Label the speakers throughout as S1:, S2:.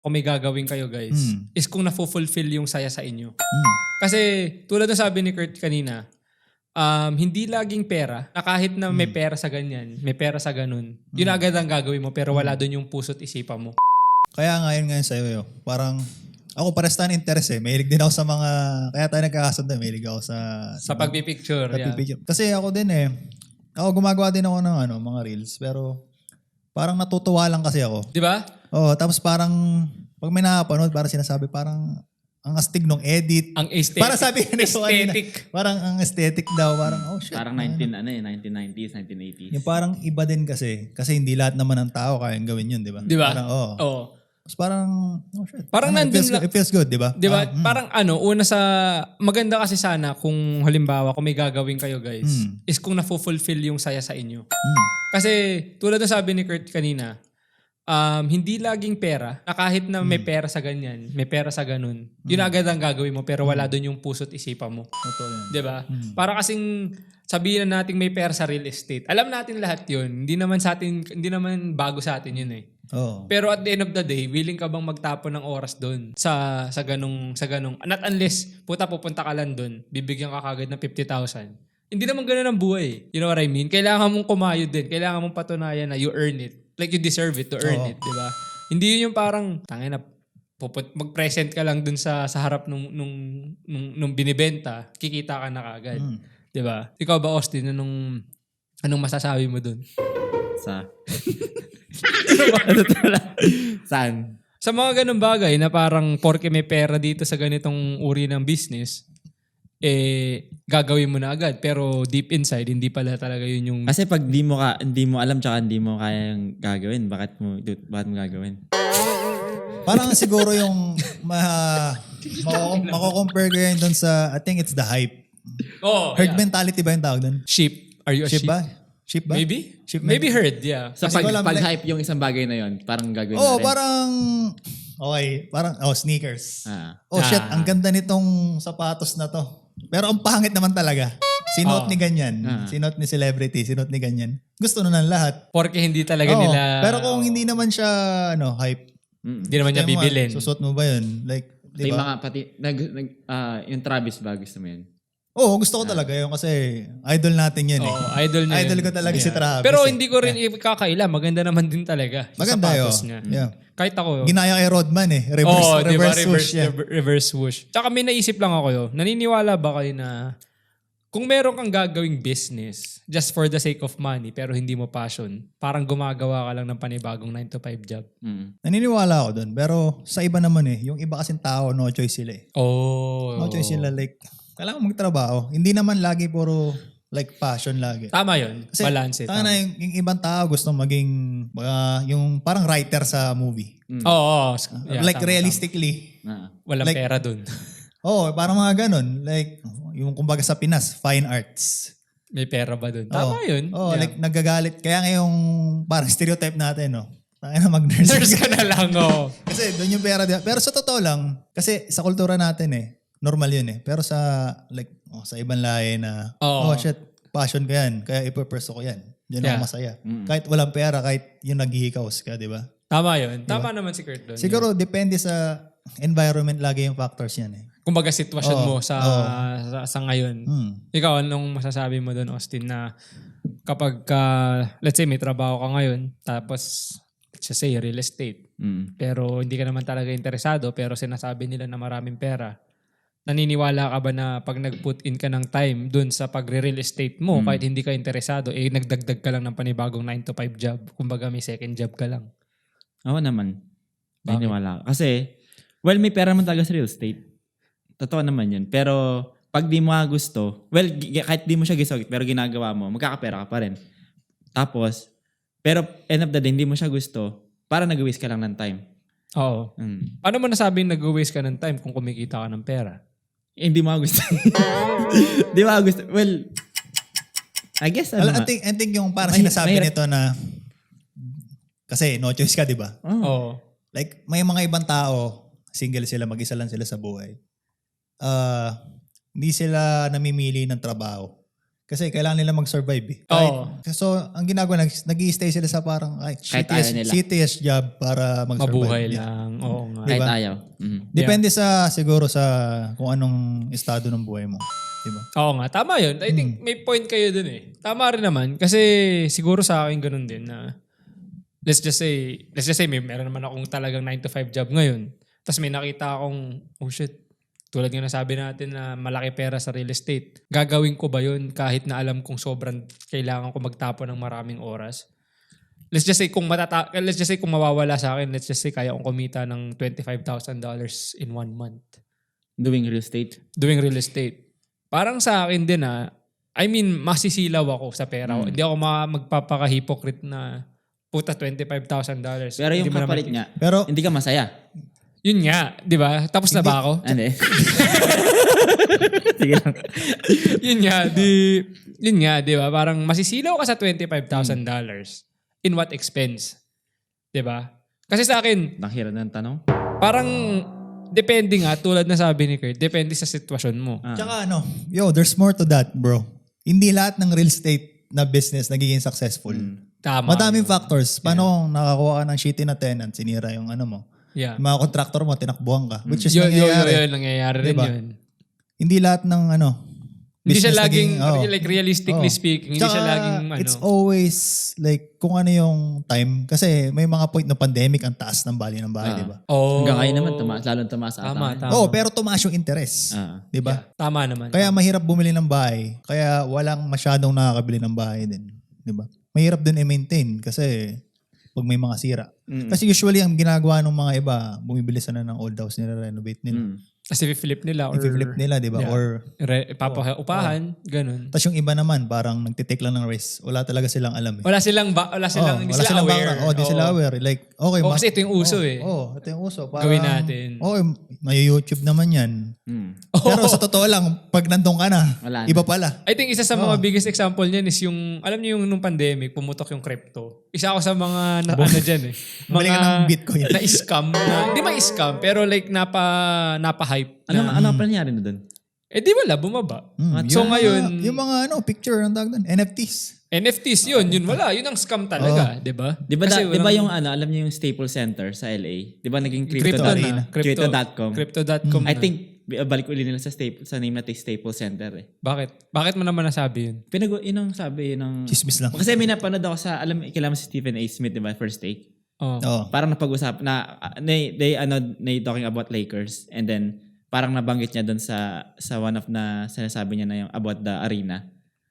S1: kung may gagawin kayo guys, is kung na-fulfill yung saya sa inyo.
S2: Mm.
S1: Kasi tulad ng sabi ni Kurt kanina, hindi laging pera, na kahit na may pera sa ganyan, may pera sa ganun, yun agad ang gagawin mo pero wala doon yung puso't isipan mo.
S2: Kaya ngayon sa'yo, parang ako pares tayo ng interest eh. Mahilig din ako sa mga, kaya tayo nagkakasunda, mahilig ako
S1: Sa pagpipicture.
S2: pagpipicture. Kasi ako din eh, ako gumagawa din ako ng mga reels, pero parang natutuwa lang kasi ako.
S1: Di ba?
S2: Oh, tapos parang, pag may nakapanood, parang sinasabi, parang, ang astig nung edit.
S1: Ang aesthetic.
S2: Para sabi ko
S1: aesthetic.
S2: parang ang aesthetic daw. Parang, oh shit.
S3: Parang 1990s, 1980s.
S2: Yung parang iba din kasi hindi lahat naman ng tao kayang gawin yun, di ba?
S1: Di ba?
S2: Parang, oh.
S1: Oo.
S2: Tapos parang, oh shit.
S1: Parang nandun lang.
S2: It feels good, di ba?
S1: Di ba? Parang una sa, maganda kasi sana kung halimbawa, kung may gagawin kayo guys, is kung na-fulfill yung saya sa inyo. Kasi tulad ng sabi ni Kurt kanina, hindi laging pera, na kahit na may pera sa ganyan, may pera sa ganun, yun agad ang gagawin mo pero wala doon yung puso't isipan mo.
S2: Totoo yan.
S1: Di ba? Para kasing sabihin na natin may pera sa real estate. Alam natin lahat yun. Hindi naman bago sa atin yun eh.
S2: Oh.
S1: Pero at the end of the day, willing ka bang magtapon ng oras doon sa ganung not unless pupunta ka lang doon, bibigyan ka kagad ng 50,000. Hindi naman ganoon ang buhay. You know what I mean? Kailangan mong kumayod din. Kailangan mong patunayan na you earn it. Like you deserve it to earn it, di ba? Hindi yun yung parang tangina mag-present ka lang doon sa harap nung binibenta, kikita ka na kagad. Di ba? Ikaw ba Austin, anong masasabi mo doon?
S3: Saan?
S1: Sa mga ganung bagay na parang porke may pera dito sa ganitong uri ng business, gagawin mo na agad. Pero deep inside, hindi pala talaga yun yung...
S3: Kasi pag hindi mo alam tsaka hindi mo kayang gagawin, bakit mo gagawin?
S2: Parang siguro yung mako-compare ko yun doon sa, I think it's the hype.
S1: Oh,
S2: Herd mentality ba yung tawag doon?
S1: Sheep. Are you a sheep?
S2: Sheep ba?
S1: Maybe?
S2: Sheep
S1: Maybe herd, yeah.
S3: So
S2: Kasi wala,
S3: pag-hype yung isang bagay na yon, parang gagawin
S2: Oh,
S3: natin.
S2: parang, sneakers.
S3: Ah.
S2: Shit, ang ganda nitong sapatos na to. Pero ang pangit naman talaga. Sinuot ni ganyan. Sinuot ni celebrity. Sinuot ni ganyan. Gusto na ng lahat.
S1: Porke hindi talaga nila...
S2: Pero kung hindi naman siya, hype.
S1: Hindi naman niya bibilin.
S2: Susuot mo ba yun? Like, di
S3: Yung
S2: ba?
S3: mga pati, yung Travis ba gusto mo yun?
S2: Oo, gusto ko talaga yun kasi idol natin yan eh.
S1: Oo, idol niya
S2: Idol
S1: yun.
S2: ko talaga si Travis.
S1: Pero
S2: eh.
S1: hindi ko rin ikakaila. Maganda naman din talaga.
S2: Maganda
S1: sapatos
S2: yun.
S1: niya.
S2: Yeah.
S1: Kahit ako.
S2: Ginaya kay Rodman eh. Reverse swoosh.
S1: Reverse swoosh. Tsaka may naisip lang ako yun. Naniniwala ba kayo na kung meron kang gagawing business just for the sake of money pero hindi mo passion, parang gumagawa ka lang ng panibagong 9 to 5 job?
S2: Naniniwala ako dun. Pero sa iba naman eh. Yung iba kasing tao, no choice sila eh.
S1: Oh.
S2: No choice sila like, kailangan magtrabaho. Hindi naman lagi puro like passion lagi.
S1: Tama yun.
S2: Kasi,
S1: Balance it.
S2: tama na yung ibang tao gusto maging yung parang writer sa movie.
S1: Oo. Yeah,
S2: like
S1: tama.
S2: realistically.
S1: Walang
S2: like-
S1: pera dun.
S2: Parang mga ganun. Like, yung kumbaga sa Pinas, fine arts.
S1: May pera ba dun? Tama yun.
S2: Oh,
S1: Yeah.
S2: like nagagalit. Kaya ngayong parang stereotype natin, no? Tangina mag-nurse.
S1: Nurse ka na lang, oh.
S2: Kasi doon yung pera. Pero sa totoo lang, kasi sa kultura natin normal yun eh. Pero sa sa ibang lahi na, shit, passion ko yan. Kaya ipaperso ko yan. Diyan ako masaya. Kahit walang pera, kahit yung naghihikaos ka, di ba?
S1: Tama yun. Tama naman si Kurt doon.
S2: Siguro, depende sa environment lagi yung factors yan eh.
S1: Kumbaga sitwasyon mo sa ngayon. Ikaw, anong masasabi mo doon, Austin, na kapag, let's say, may trabaho ka ngayon, tapos, let's just say, real estate. Pero hindi ka naman talaga interesado, pero sinasabi nila na maraming pera. Naniniwala ka ba na pag nag-put in ka ng time dun sa pagre-real estate mo, kahit hindi ka interesado, nagdagdag ka lang ng panibagong 9 to 5 job. Kumbaga may second job ka lang.
S3: Oo naman. Naniniwala. Kasi, may pera man talaga sa real estate. Totoo naman yun. Pero, pag di mo gusto, kahit di mo siya gisawit, pero ginagawa mo, magkakapera ka pa rin. Tapos, pero end of the day, hindi mo siya gusto, para nag-waste ka lang ng time.
S1: Oo. Ano mo nasabing nag-waste ka ng time kung kumikita ka ng pera?
S3: Hindi mo gusto. Hindi mo gusto. Well, I guess,
S2: I think yung parang sinasabi nito na, kasi no choice ka, di ba?
S1: Oo.
S2: Like, may mga ibang tao, single sila, mag-isa lang sila sa buhay. Hindi sila namimili ng trabaho. Kasi kailangan nila mag-survive eh. So, ang ginagawa, nag-i-stay sila sa parang
S3: Kahit ayaw nila.
S2: shittiest job para mag-survive.
S1: Mabuhay
S2: Yeah.
S1: lang. Oo nga.
S3: Kahit
S2: Diba?
S3: ayaw.
S2: Depende siguro sa kung anong estado ng buhay mo. Diba?
S1: Oo nga, tama yun. I think may point kayo dun eh. Tama rin naman. Kasi siguro sa akin ganun din na let's just say meron naman akong talagang 9 to 5 job ngayon. Tapos may nakita akong, oh shit, tulad nga nasabi natin na malaki pera sa real estate. Gagawin ko ba yun kahit na alam kong sobrang kailangan ko magtapon ng maraming oras? Let's just say kung mawawala sa akin, let's just say kaya kong kumita ng $25,000 in 1 month.
S3: Doing real estate.
S1: Doing real estate. Parang sa akin din masisilaw ako sa pera ko. Hindi ako magpapaka-hypocrite na puta $25,000.
S3: Pero yung
S1: Hindi mo naman-
S3: kapalit nga,
S2: Pero,
S3: hindi ka masaya.
S1: Yun nga, di ba? Tapos na ba ako?
S3: Hindi. Sige lang.
S1: Yun nga, di ba? Parang masisilaw ka sa $25,000. In what expense? Di ba? Kasi sa akin,
S3: Nakira ng tanong?
S1: parang depende nga, tulad na sabi ni Kurt, depende sa sitwasyon mo.
S2: tsaka there's more to that, bro. Hindi lahat ng real estate na business nagiging successful.
S1: Tama.
S2: Madaming factors. Paano kung nakakuha ka ng shitty na tenant, sinira yung ano mo.
S1: Yeah.
S2: Yung mga contractor mo, tinakbuhan ka. Which is
S1: Yun,
S2: nangyayari.
S1: nangyayari rin
S2: Diba?
S1: yun.
S2: Hindi lahat ng
S1: Hindi siya
S2: business
S1: laging,
S2: naging-
S1: like realistically speaking, hindi
S2: Tsaka,
S1: siya laging
S2: it's always like kung ano yung time. Kasi may mga point na pandemic, ang taas ng value ng bahay, di ba?
S1: Oh,
S3: Hanggang ngayon naman, lalong tumaas ata.
S1: Tama.
S2: Oo, pero tumaas yung interest. Di ba?
S1: Tama naman.
S2: Kaya mahirap bumili ng bahay. Kaya walang masyadong nakakabili ng bahay din. Di ba? Mahirap din i-maintain kasi pag may mga sira. Kasi usually ang ginagawa ng mga iba, bumibili sana ng old house nila, renovate nila.
S1: Kasi i-flip nila or
S2: I-flip nila, di ba?
S1: Yeah.
S2: Or
S1: upahan, ganun.
S2: tas yung iba naman, parang nagtitake lang ng risk. Wala talaga silang alam eh.
S1: Wala silang hindi sila aware.
S2: Di sila aware. Like, okay.
S1: kasi ito yung uso eh.
S2: Ito yung uso. Parang,
S1: Gawin natin.
S2: May YouTube naman yan. Pero sa totoo lang, pag nandun ka na,
S3: Wala na.
S2: iba pala.
S1: I think isa sa mga biggest example niyan is yung, alam niyo yung nung pandemic, pumutok yung crypto. Isa ako sa mga, dyan eh.
S2: Bumili ka ng Bitcoin.
S1: Na-scam. Hindi ma-scam, pero like napa-hype.
S3: Ano pa nangyari na doon?
S1: Di wala, bumaba. So
S2: Yung
S1: ngayon,
S2: yung mga picture, ang tawag doon, NFTs.
S1: NFTs yun wala. Yun ang scam talaga, di ba?
S3: Di ba,
S1: Kasi
S3: di ba
S1: walang-
S3: yung alam niyo yung Staples Center sa LA? Di ba naging
S1: Crypto
S3: crypto
S1: na.
S3: Crypto.com.
S1: Crypto.com
S3: I
S1: na.
S3: think balik uli nila sa name na Staples Center eh.
S1: Bakit? Bakit mo naman nasabi yun?
S3: Yun ang sabi ng...
S2: Chismis lang.
S3: Kasi may napanood ako sa, kilala mo si Stephen A. Smith, di ba? First Take.
S1: Oh.
S2: Oo.
S3: Parang napag-usap na they talking about Lakers and then parang nabanggit niya doon sa one of na sinasabi niya na yung about the arena.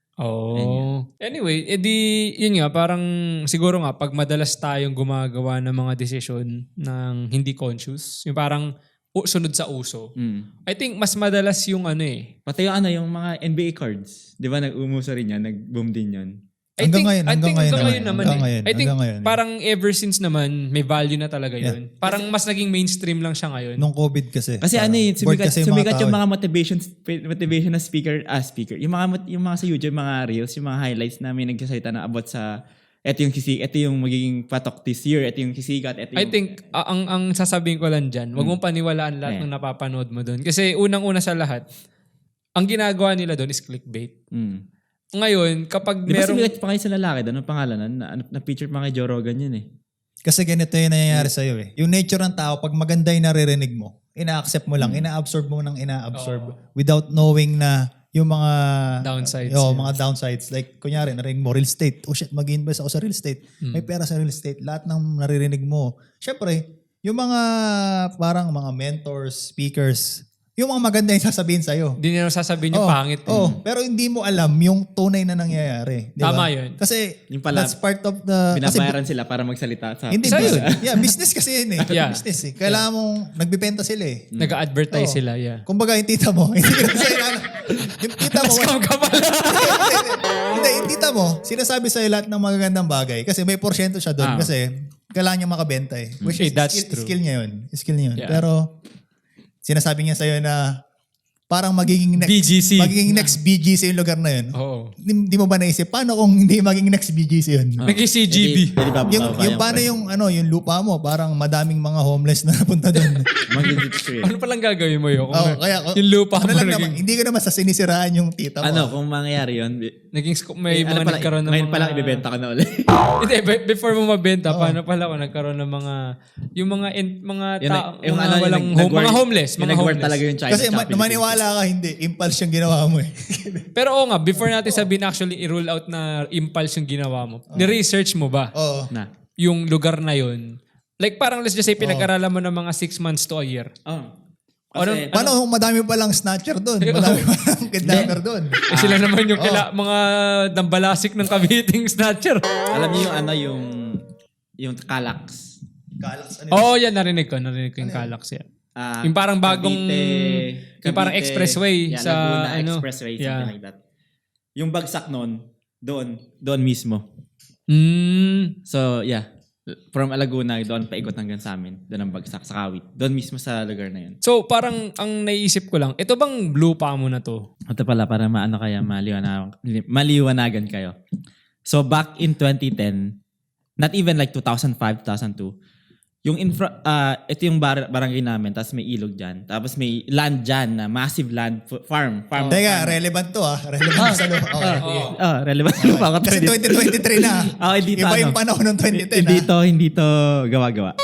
S1: Oh. Anyway, yun nga, parang siguro nga, pag madalas tayong gumagawa ng mga desisyon ng hindi conscious, yung parang sunod sa uso, I think mas madalas yung
S3: Pati yung mga NBA cards. Di ba nag-umuso rin yan? Nag-boom din yun.
S2: Hanggang ngayon
S1: naman
S2: hanggang
S1: eh.
S2: ngayon,
S1: I think
S2: hanggang ngayon.
S1: parang ever since naman, may value na talaga yun. Parang mas naging mainstream lang siya ngayon.
S2: Nung COVID kasi.
S3: Kasi
S2: bored kasi
S3: sumikat yung
S2: tao
S3: mga motivation na speaker. Yung mga sa YouTube, mga reels, yung mga highlights na may nagsasalita na about sa ito yung magiging patok this year, ito yung sisikat, ito yung...
S1: I think, ang sasabihin ko lang dyan, wag mong paniwalaan lahat ng napapanood mo doon. Kasi unang-una sa lahat, ang ginagawa nila doon is clickbait. Ngayon, kapag
S3: Di ba
S1: merong...
S3: sumikat pa kayo sa lalaki doon? Anong pangalan? Na-feature pa kay Joe Rogan yun eh.
S2: Kasi ganito yung nangyayari sa'yo eh. Yung nature ng tao, pag maganda yung naririnig mo, ina-accept mo lang, ina-absorb mo ng ina-absorb without knowing na yung mga
S1: Downsides,
S2: mga downsides. Like, kunyari, narinig mo real estate. Oh shit, mag-invest ako sa real estate. May pera sa real estate. Lahat ng naririnig mo. Siyempre, yung mga parang mga mentors, speakers, yung mga maganda yung sasabihin sa'yo.
S1: Hindi nila sasabihin yung pangit.
S2: Pero hindi mo alam yung tunay na nangyayari. Di ba?
S1: Tama yun.
S2: Kasi
S3: Yung pala,
S2: that's part of the...
S3: binabayaran sila para magsalita sa...
S2: Hindi
S1: Isa yun.
S2: business kasi yun eh.
S1: Yeah.
S2: Business eh. Kailangan mong nagbibenta sila eh.
S1: Nag-advertise sila, yeah.
S2: Kumbaga yung tita mo, hindi ko sa'yo yung tita mo,
S1: Scam ka pala.
S2: hindi, yung tita mo, sinasabi sa'yo lahat ng magagandang bagay kasi may porsyento siya doon kasi kailangan niya makabenta eh. Which is
S1: That's true.
S2: skill niya yun. Skill niya yun.
S1: Yeah.
S2: Pero sinasabi niya sa'yo na parang magiging next
S1: BGC.
S2: magiging next BGC yung lugar na yun.
S1: Oo.
S2: Di mo ba naisip paano kung hindi magiging next BGC yun?
S1: Naging CGB.
S2: Yung paano yung lupa mo, parang madaming mga homeless na napunta doon.
S1: Ano palang gagawin mo yun?
S2: Kaya
S1: Yung lupa mo
S2: lang naman,
S1: naging,
S2: hindi ko naman sinisiraan yung tita mo.
S3: Kung mangyayari yun,
S1: may mga nagkaroon ng
S3: ngayon
S1: mga...
S3: pa lang ibebenta ka na ulit.
S1: Hindi, before mo mabenta, paano pala kung nagkaroon ng mga... Yung mga tao, mga homeless. Mga
S3: nag-work
S1: homeless.
S3: talaga yung China.
S2: Kasi maniwala ka, hindi. Impulse yung ginawa mo eh.
S1: Pero oo nga, before natin sabihin actually i-rule out na impulse yung ginawa mo, ni-research mo ba
S2: Oo.
S3: Na.
S1: yung lugar na yun? Like parang let's just say pinag-aralan mo ng mga 6 months to a year.
S3: Kasi,
S2: Paano kung madami palang snatcher doon? Madami palang kidnapper doon?
S1: Sila naman yung mga dambalasik ng kabiting snatcher.
S3: alam niyo yung Calax.
S2: Kalax, ano
S1: Oo, yan narinig ko yung Calax yan. Yung parang bagong yung parang expressway sa
S3: Laguna Expressway, something like that. Yung bagsak noon, doon mismo. So, yeah. From Laguna, doon paikot hanggang sa amin. Doon ang bagsak sa Kawit. Doon mismo sa lugar na yun.
S1: So parang ang naiisip ko lang, ito bang blue pa mo na to?
S3: Ito pala, para maliwanagan kayo. So, back in 2010, not even like 2005, 2002, yung ito yung barangay namin, tapos may ilog dyan. Tapos may land dyan, na massive land, farm.
S2: Teka, relevant to Relevant sa loob. Okay.
S3: Relevant pa ako.
S2: Kasi 2023 na.
S3: Dito,
S2: Iba yung panahon ng 2010
S3: Hindi to gawa-gawa.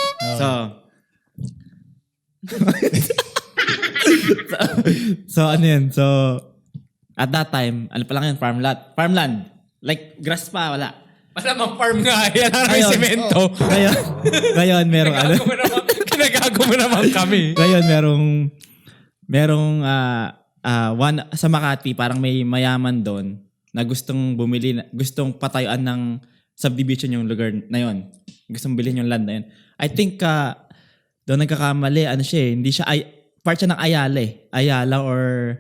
S3: So ano yun? So, at that time, ano pa lang yun? Farmland. Like, grass pa, wala.
S1: Malamang farm nga, yan ang may semento.
S3: Ngayon, merong ano?
S1: Kinagago mo naman kami.
S3: Ngayon, merong one sa Makati, parang may mayaman doon na gustong patayuan ng subdivision yung lugar na yon. Gustong bilhin yung land na yun. I think doon nagkakamali, hindi siya, part siya ng Ayala Ayala or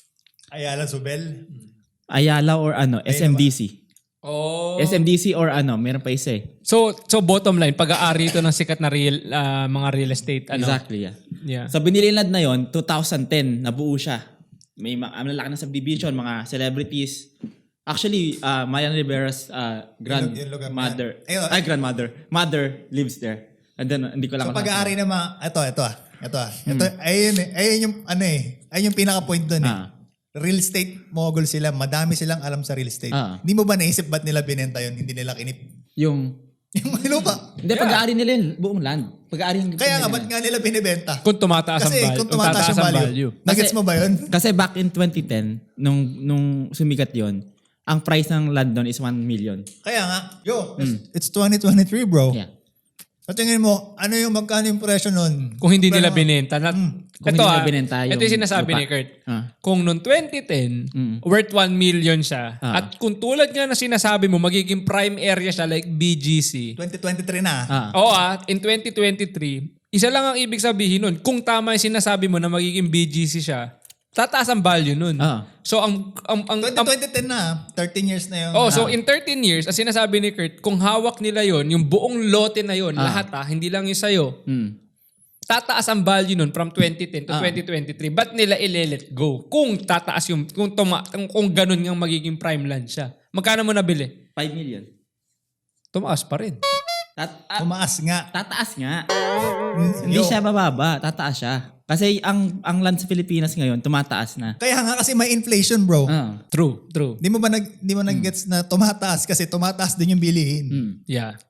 S3: SMDC. SMDC or meron pa isa eh.
S1: So bottom line, pag-aari ito ng sikat na mga real estate.
S3: Exactly, yeah.
S1: Yeah.
S3: So binili land na yon 2010, nabuo siya. May lalaki ng subdivision, mga celebrities. Actually, Mayan Rivera's grandmother, mother lives there. And then, hindi ko lang.
S2: So pag-aari na ito ayun yung ayun yung pinaka-point doon Real estate mogul sila, madami silang alam sa real estate. Hindi mo ba naisip ba't nila binenta yun? Hindi nila kinip.
S3: Yung
S2: lupa.
S3: Hindi, pag-aari nila yung buong land.
S2: Kaya nga, ba't nga nila binibenta?
S1: Kung tumataas ang
S2: Kasi
S1: value.
S2: kung tumataas ang value. Nagets mo ba yun?
S3: Kasi back in 2010, nung sumikat yon, ang price ng land doon is 1 million.
S2: Kaya nga, it's 2023 bro.
S3: Yeah.
S2: Sa tingin mo, magkano yung presyo nun?
S1: Kung hindi nila binenta.
S3: Kung hindi nila binenta
S1: ito yung sinasabi
S3: lupa
S1: ni Kurt. Kung noong 2010, worth 1 million siya. At kung tulad nga na sinasabi mo, magiging prime area siya like BGC.
S2: 2023 na.
S1: In 2023, isa lang ang ibig sabihin nun. Kung tama yung sinasabi mo na magiging BGC siya, tataas ang value nun. So,
S2: 2010 na, 13 years na yun.
S1: So in 13 years, as sinasabi ni Kurt, kung hawak nila yon, yung buong lote na yon, lahat hindi lang yung sayo, tataas ang value nun from 2010 to 2023. Ba't nila i-let go? Kung tataas kung ganun yung magiging prime land siya. Magkano mo nabili?
S3: 5 million.
S1: Tumaas pa rin.
S2: Tumaas nga.
S3: Tataas nga. Hindi siya bababa, tataas siya. Kasi ang land sa Pilipinas ngayon, tumataas na.
S2: Kaya nga kasi may inflation, bro.
S1: True.
S2: Di mo nag-gets na tumataas kasi tumataas din yung bilihin.
S1: Yeah.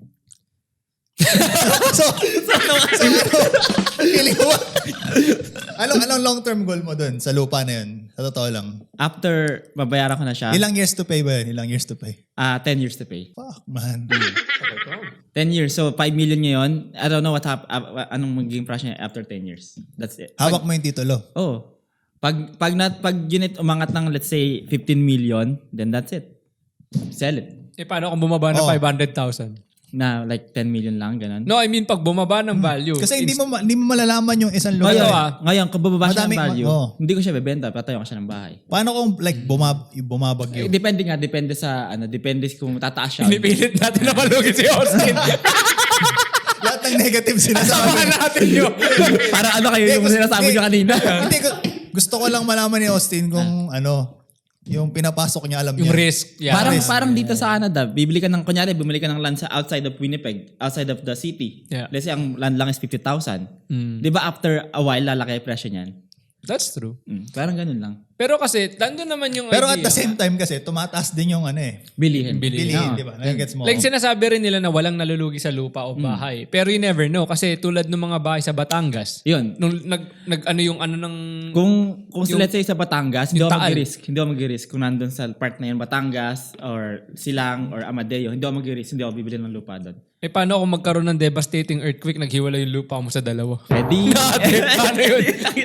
S2: so feeling mo, anong long-term goal mo dun sa lupa na yun? Sa totoo lang.
S3: After mabayaran ko na siya.
S2: Ilang years to pay ba yun? 10
S3: years to pay.
S2: Fuck, man.
S3: 10 years. So, 5 million ngayon. I don't know anong magiging price niya after 10 years. That's it.
S2: Hawak mo yung titulo.
S3: Pag unit umangat ng let's say 15 million, then that's it. Sell it.
S1: Paano kung bumaba na 500,000?
S3: Na like 10 million lang, ganun.
S1: No, I mean pag bumaba ng value.
S2: Kasi hindi mo malalaman yung isang lugar.
S3: Ngayon, kung bumaba siya ng value,
S2: oh.
S3: hindi ko siya bebenta, patayo ko siya ng bahay.
S2: Paano kung like bumabagyo?
S3: Depende sa depende kung tataas siya.
S1: Pinipilit natin na malugi si Austin.
S2: Lahat ng negative sinasabi.
S1: Samahan natin yun.
S3: Para ano kayo yung sinasabi nyo kanina.
S2: Gusto ko lang malaman ni Austin kung yung pinapasok niya, alam
S1: Yung
S2: niya.
S1: risk. Yeah.
S3: Parang dito sa Canada, bumili ka ng land sa outside of Winnipeg, outside of the city.
S1: Yeah.
S3: Let's say ang land lang is 50,000.
S1: Mm.
S3: Di ba after a while, lalaki yung presyo niyan?
S1: That's true.
S3: Parang ganun lang.
S1: Pero kasi, nandun naman yung
S2: Pero
S1: idea.
S2: at the same time kasi, tumataas din yung
S3: Bilihin.
S2: bilihin,
S3: Oo.
S2: di ba? Nagigets mo?
S1: Like sinasabi rin nila na walang nalulugi sa lupa o bahay. Pero you never know. Kasi tulad ng mga bahay sa Batangas,
S3: Yun.
S1: nung ng...
S3: Kung let's say sa Batangas, hindi
S1: yung
S3: ako
S1: Taal.
S3: mag-risk. Kung nandun sa part na yun, Batangas, or Silang, or Amadeo, hindi ako mag-risk. Hindi ako bibili ng lupa doon.
S1: Eh paano kung magkaroon ng devastating earthquake, naghiwalay yung lupa mo sa dalawa?
S3: Pwede.
S1: Paano yun?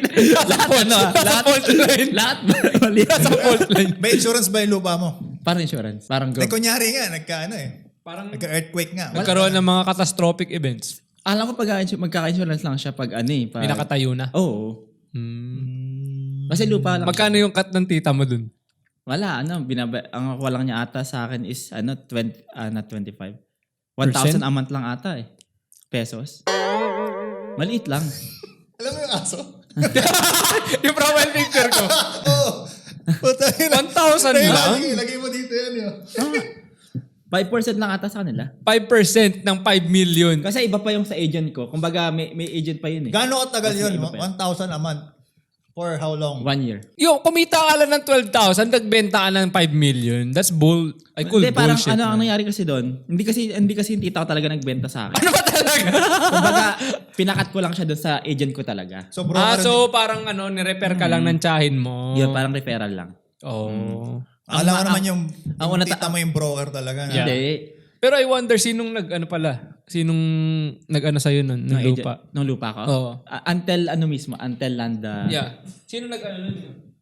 S1: Lahat fault line.
S3: Lahat mali.
S1: Sa fault line.
S2: May insurance ba yung lupa mo?
S3: Parang insurance. Parang go.
S2: Like, kunyari nga,
S1: Parang
S2: nagka-earthquake nga.
S1: nagkaroon ng mga catastrophic events.
S3: Alam ko magkaka-insurance lang siya pag pag...
S1: May nakatayo na.
S3: Oo. Kasi lupa lang.
S1: Magkano yung cut ng tita mo dun?
S3: Wala, ang nakuha lang niya ata sa akin is, not 25. 1,000 a month lang ata Pesos. Maliit lang.
S2: Alam mo yung aso?
S1: Yung profile picture ko.
S2: Oo. Puta,
S1: 1,000 lang?
S2: Lagay mo dito yan yun.
S3: 5% lang ata sa kanila.
S1: 5% ng 5 million.
S3: Kasi iba pa yung sa agent ko. Kumbaga, may agent pa yun
S2: Gaano katagal
S3: Mas
S2: yun?
S3: iba pa yan.
S2: 1,000 a month. For how long?
S3: 1 year.
S1: Yung kumita ka lang ng 12,000, nagbenta ka ng 5 million. That's bull. I call
S3: Hindi, parang
S1: bullshit.
S3: ang
S1: man.
S3: nangyari kasi doon, hindi kasi yung tita ko talaga nagbenta sa akin.
S1: Ano ba talaga?
S3: Kumbaga, pinakat ko lang siya doon sa agent ko talaga.
S2: So, broker
S1: so parang ni-repair ka lang ng tsahin mo.
S3: Yun, parang referral lang.
S1: Oh.
S2: Alam ko naman yung
S3: una
S2: tita mo yung broker talaga. Na.
S1: Yeah.
S3: Hindi.
S1: Pero I wonder, sinong Sinong sa'yo nun, ng
S3: Ng
S1: lupa?
S3: Nung lupa ko?
S1: Oo.
S3: Until until land...
S1: Yeah. Sino nun?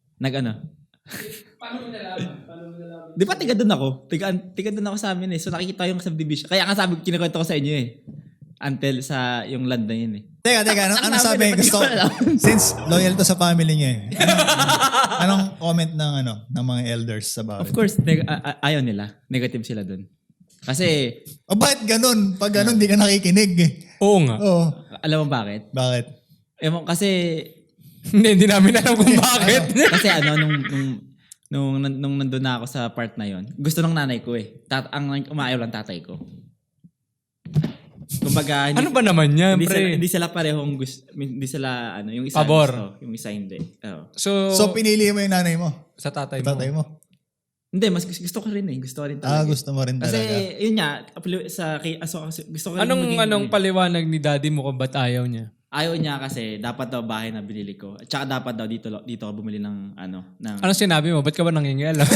S1: Paano mo nalaman?
S3: Di ba tiga doon ako? Tiga doon ako sa amin So nakikita yung subdivision. Kaya nga kinikwento ko sa inyo Until sa yung land na yun
S2: Teka, ano sabi? Gusto, since loyal to sa family niya anong comment ng mga elders sa
S3: Of
S2: bahay?
S3: course, ayaw nila. Negative sila doon. Kasi,
S2: Bakit ganun? Pag ganun, di ka nakikinig
S1: Oo nga.
S2: Oo.
S3: alam mo bakit?
S2: Bakit?
S3: Kasi,
S1: Hindi namin alam kung bakit.
S3: kasi nung nandun na ako sa part na yon, gusto ng nanay ko ang umaayaw lang tatay ko. Kumbaga,
S1: Ano ba naman yan, pre?
S3: hindi sila parehong gusto, hindi sila yung isa
S1: Pabor.
S3: gusto, yung isa hindi. Oo.
S1: So
S2: pinili mo yung nanay mo?
S1: sa tatay mo.
S2: Tatay mo?
S3: Hindi, mas gusto ko rin Gusto ko rin talaga.
S2: Gusto mo rin
S3: Kasi
S2: talaga.
S3: yun nga, gusto ko rin
S1: Anong paliwanag ni daddy mo kung ba't ayaw niya?
S3: Ayaw niya kasi dapat daw bahay na binili ko. At saka dapat daw dito ako bumili ng
S1: Anong sinabi mo? Ba't ka ba nangingialam?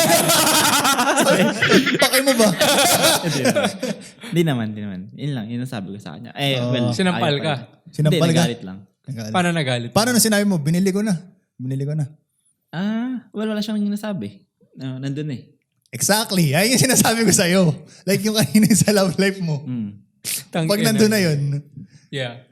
S2: Pakay mo ba?
S3: Hindi naman. Yun ang sabi ko sa kanya.
S1: Sinampal
S3: ayaw
S1: ka?
S3: pala.
S2: Sinampal
S3: Hindi,
S2: ka?
S3: nagalit lang.
S1: Paano nagalit?
S2: Paano na sinabi mo? Binili ko na.
S3: Wala siyang nasabi. Nandun
S2: Exactly. Ay yung sinasabi ko sa'yo. Like yung kanina sa love life mo. Pag nandun na yun.
S1: Yeah.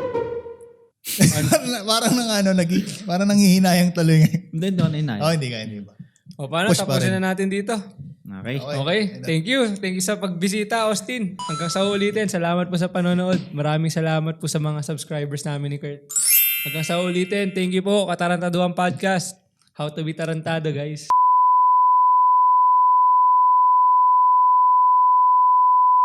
S2: parang nanghihinayang tuloy.
S3: Hindi, doon ay nai.
S2: Hindi ba?
S1: O paano?
S2: Push pa
S1: Tapusin
S2: rin.
S1: na natin dito.
S3: Okay.
S1: Okay. Thank you. Thank you sa pagbisita, Austin. Hanggang sa ulitin. Salamat po sa panonood. Maraming salamat po sa mga subscribers namin ni Kurt. Hanggang sa ulitin. Thank you po. Katarantaduhan Podcast. How to be tarantado, guys.